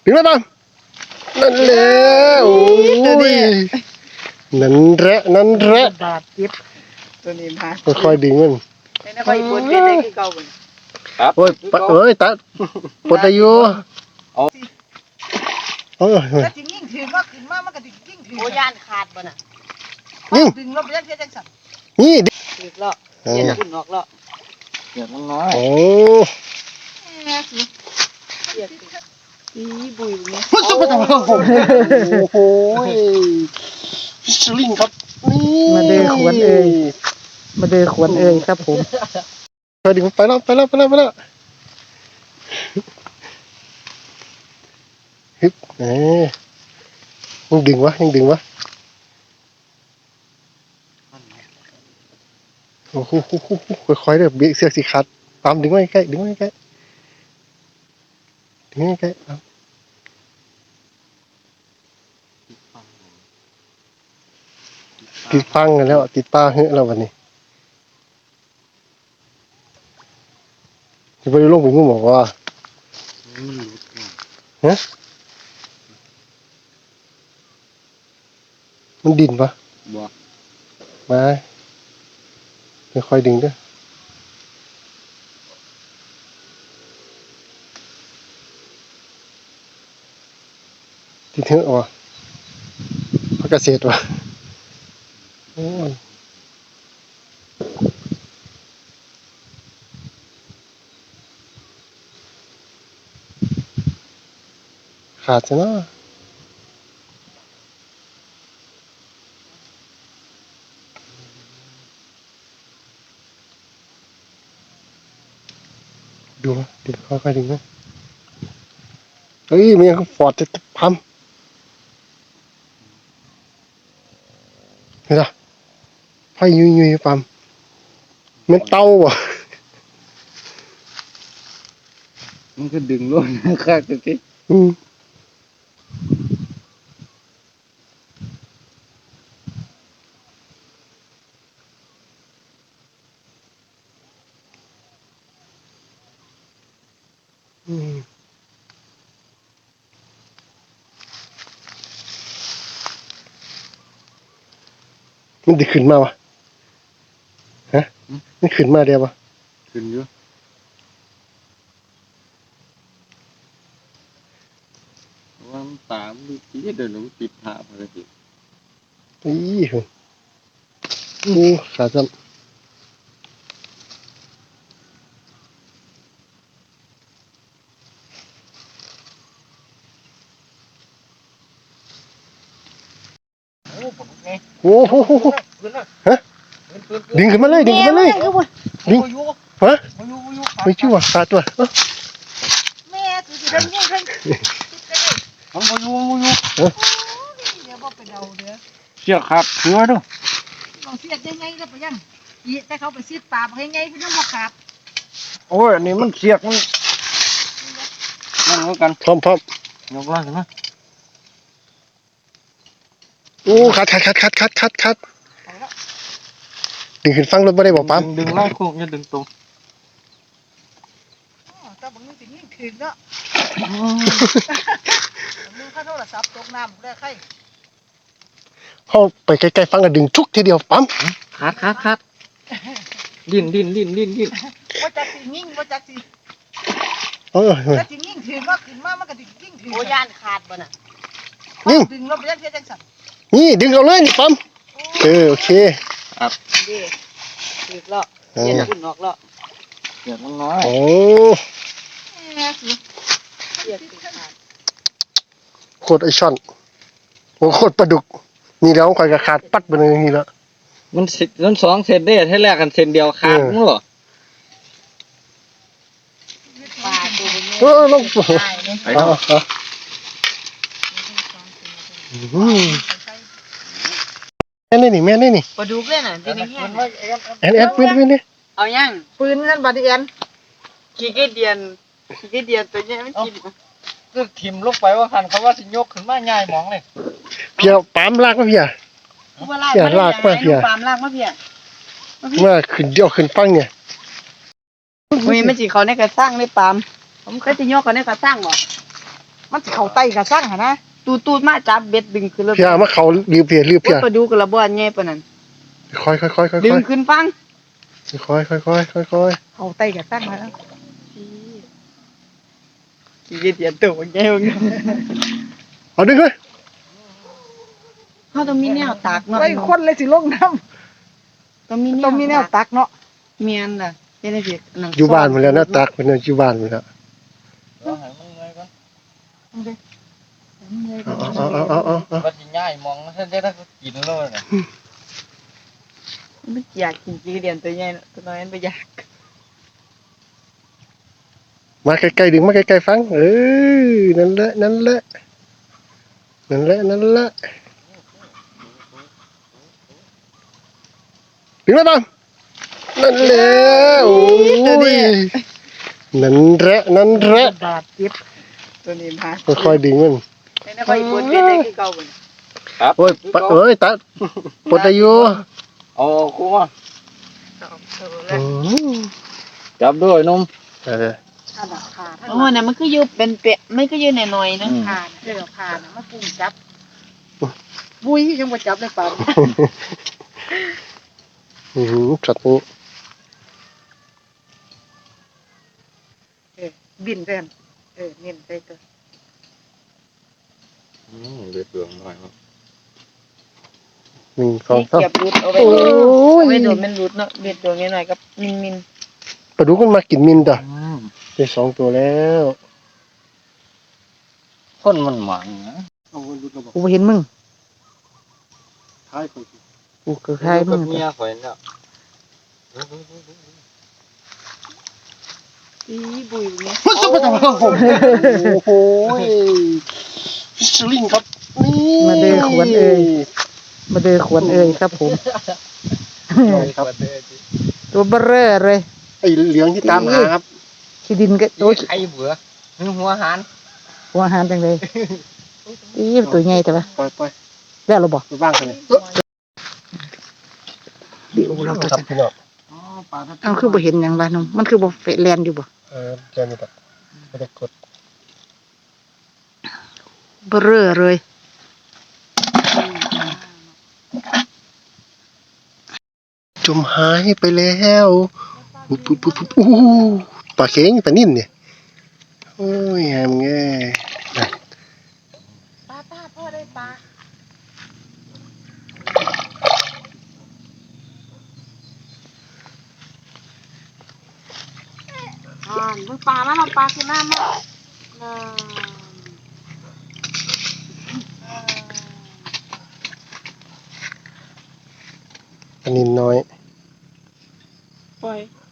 ถึงแล้วปั๊มนั่นแหละโอ้ยนั่นแหละบาดเจ็บตัวนี้บาดค่อยๆดึงมันในนั้นก็อีกบนเป็นได้คือเก่าบ่ครับโอ้ยตัดปวดอยู่แล้วจริงยิ่งถือว่าขึ้นมามันก็ยิ่งถือโอ้ยานขาดบ่น่ะดึงลบไปยังจังสั่นนี่ถือเลาะเย็นขึ้นออกเลาะเดี๋ยวน้อยโอ้อีบุยเนี่ยโอ้โหสลิงครับมาเดือขวนเอ่ยครับผมไปดึงไปแล้วฮึบยังดึงวะโอ้โหค่อยๆเด้อเบียเสือกสิขาดตามดึงไว้ใกล้ติดฟังกันแล้วติดป้าเฮ้ยแล้ววันนี้จะไปลงไปงูบอกว่าฮะมันดินปะมาค่อยๆดึงด้วยติดเถอะวะพักเกษตรวะขาดใช่ไหมดูค่อยๆดึงนะเฮ้ยมันยังฟอดจะพัมเห็นปะไฟยุยปั๊มมันเต้าว่ะมันก็ดึงล้นข้างตัวที่มันดึงขึ้นมาวะฮะมันขึ้นมาเดียววะขึ้นอยู่ว่าตามดูที่เดินลงติดผาพอดีอีหมูขาซ้ำโอ้โหฮะดึงขึ้นมาเลยดึงฮะไม่ชื่อว่าขาดตัวแม่ถือสิดังยังคันมันบ่อยู่เดี๋ยวบ่ไปเดาเด้อเชือกขาดเชือดูลองเสียดยังไงแล้วไปยังอีแต่เขาไปซีดปากให้ไงเพิ่นยังบ่ขาดโอ้ยอันนี้มันเชือกมันนั่นเหมือนกันพร้อมยกล่างนะโอ้ขาดดึงขึ้นฟังรถไม่ได้บอกปั๊มดึงไล่โค้งอย่าดึงตรงแต่บางทียิ่งถึงเนาะมึงถ้าโทรศัพท์ตกน้ำได้ใครเข้าไปใกล้ๆฟังกันดึงชุกทีเดียวปั๊มขาดดิ้นว่าจักสิยิ่งว่าจักสิแล้วสิยิ่งถึงว่าขึ้นมามันก็ยิ่งถึงโอ้ยานขาดบ่น่ะดึงลบไปยังจังสั่นนี่ดึงเอาเลยปั๊มโอเคครับดีถือเลาะเย็นขึ้นออกเลาะเดี๋ยวน้อยโอ้โคตรไอช่อนโคตรปลาดุกนี่แล้วคอยกระขาดปัดไปเลยนี่แล้วมันสองเซนได้ให้แลกกันเซนเดียวขาดมั้งเหรอลงแม่นี่ปลาดุกเลยน่ะที่นี่แอนปืนนี่เอายังปืนนั่นบาดแอนขี้เกียจเตัวนี้มันกินก็ถิ่มลงไปว่าหันเขาว่าสิยกขึ้นมาง่ายมองเลยเพียปั๊มลากมาเพียลากมาเพียปั๊มลากมาเพียเมื่อขึ้นเดียวขึ้นฟังเนี่ยมันจีเขาในกระสร้างในปั๊มผมเคยจะยกเขาในกระสร้างบ่มันสิเข้าไตกระสั่งหั่นนะตูดมาจับเบ็ดดึงขึ้นแล้วเพียมาเขารีบเพียรีบเพียปลาดุกระบ่ใหญ่ปานนั้นค่อยดึงขึ้นฟังค่อยเข้าไตกระสั่งหั่นนะขี้เกียจตัวใหญ่เอาดึงเลยเฮาต้องมีแนวตักเนาะไอ้คนเลยสิลงน้ำต้องมีต้องมีแนวตักเนาะเมียนล่ะเฮ็ดให้สินั่งอยู่บ้านหมดแล้วนะตักเป็นอยู่บ้านหมดแล้วเอาก็สิง่ายมองท่านได้ก็กินเลยน่ะมันอยากกินขี้เดียนตัวใหญ่ตัวน้อยมันบ่อยากมาใกล้ๆดึงมาใกล้ๆฟังนั่นแหละดึงแล้วบ้างนั่นแหละโอ้ยนั่นแหละบาดเจ็บตัวนี้มาค่อยๆดึงมันให้นะค่อยปวดเบ็ดได้คือเก่าบ่ครับโอ้ยตัดปวดอายุเอาคู่มาจับด้วยนมขาขาทั้งโอ้น่ะมันคืออยู่เป็นเปะมันคืออยู่หน่อยๆนึงขาเด้อขาน่ะมาปุ่มจับบุ้ยจังบ่จับเลยปานสัตว์นี้บินเด้นเน้นใส่ตัวเดือดเปลืองหน่อยครับ 1 2 3 เก็บรุดเอาไว้โอ้ยโดนมันรุดเนาะเบ็ดตัวน้อยๆกับมินปลาดุกมันมากินมินจ้ะได้2 ตัวแล้วคนมันหมันนะกูบ่เห็นมึงท้ายคนกูก็คล้ายมึงเมียข่อยเนี่ยๆอีบุยเนี่ยโอ้โหสลิงครับนี่มาเด้อขวนครับผมครับตัวเบ้อเร่อเลยไอ้เหลืองที่ตามหาครับขี้ดินก็ตัวไอ้เบื่อหัวหานหัวอาหารจังเลยอีตัวใหญ่แต่ว่าปล่อยแล้วเราบ่ไปบ้างกันเลยเดี๋ยวเราจะครับพี่น้องเอาคือบ่เห็นหยังวะน้องมันคือบ่เฟะแลนอยู่บ่แค่นี้แบบไม่ได้กดเบ้อเร่อเลยจมหายไปแล้วปุ๊บอู้ปลาเข็งปลานิ่นเนี่ยโอ้ยแฮมแง่ป้าพ่อได้ปลามึงปลามาเราปลาคือหน้ามาปลานิ่นน้อยปล่อย